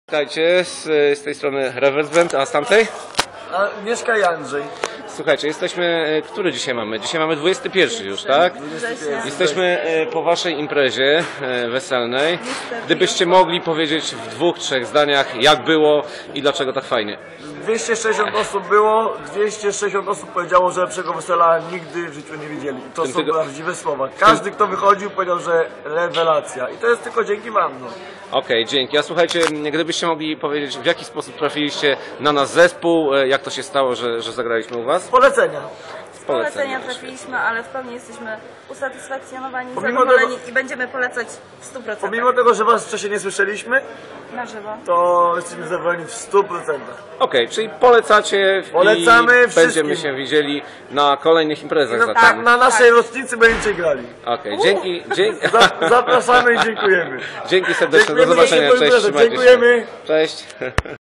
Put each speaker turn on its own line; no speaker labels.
Witajcie, z tej strony Reverse Band, a z tamtej?
A mieszka Andrzej.
Słuchajcie, jesteśmy, który dzisiaj mamy? Dzisiaj mamy 21 już, tak? Jesteśmy po waszej imprezie weselnej. Gdybyście mogli powiedzieć w dwóch, trzech zdaniach, jak było i dlaczego tak fajnie.
260 osób było, 260 osób powiedziało, że lepszego wesela nigdy w życiu nie widzieli. I to są prawdziwe słowa. Każdy, kto wychodził, powiedział, że rewelacja. I to jest tylko dzięki wam. No.
Okej, dzięki. A słuchajcie, gdybyście mogli powiedzieć, w jaki sposób trafiliście na nasz zespół, jak to się stało, że zagraliśmy u was?
Polecenia.
Polecenia trafiliśmy, ale w pełni jesteśmy usatysfakcjonowani, zadowoleni i będziemy polecać w 100%.
Pomimo tego, że was wcześniej nie słyszeliśmy,
na żywo,
to jesteśmy zadowoleni w 100%.
Okej, czyli polecacie
Polecamy
i
wszystkim.
będziemy się widzieli na kolejnych imprezach
No,
zatem.
tak, na naszej rocznicy będziecie grali.
Okej, dzięki.
Zapraszamy i dziękujemy.
Dzięki serdecznie, do
Dziękujemy za
zobaczenia,
tę
cześć,
imprezę.
trzymajcie się.
Dziękujemy.
Cześć.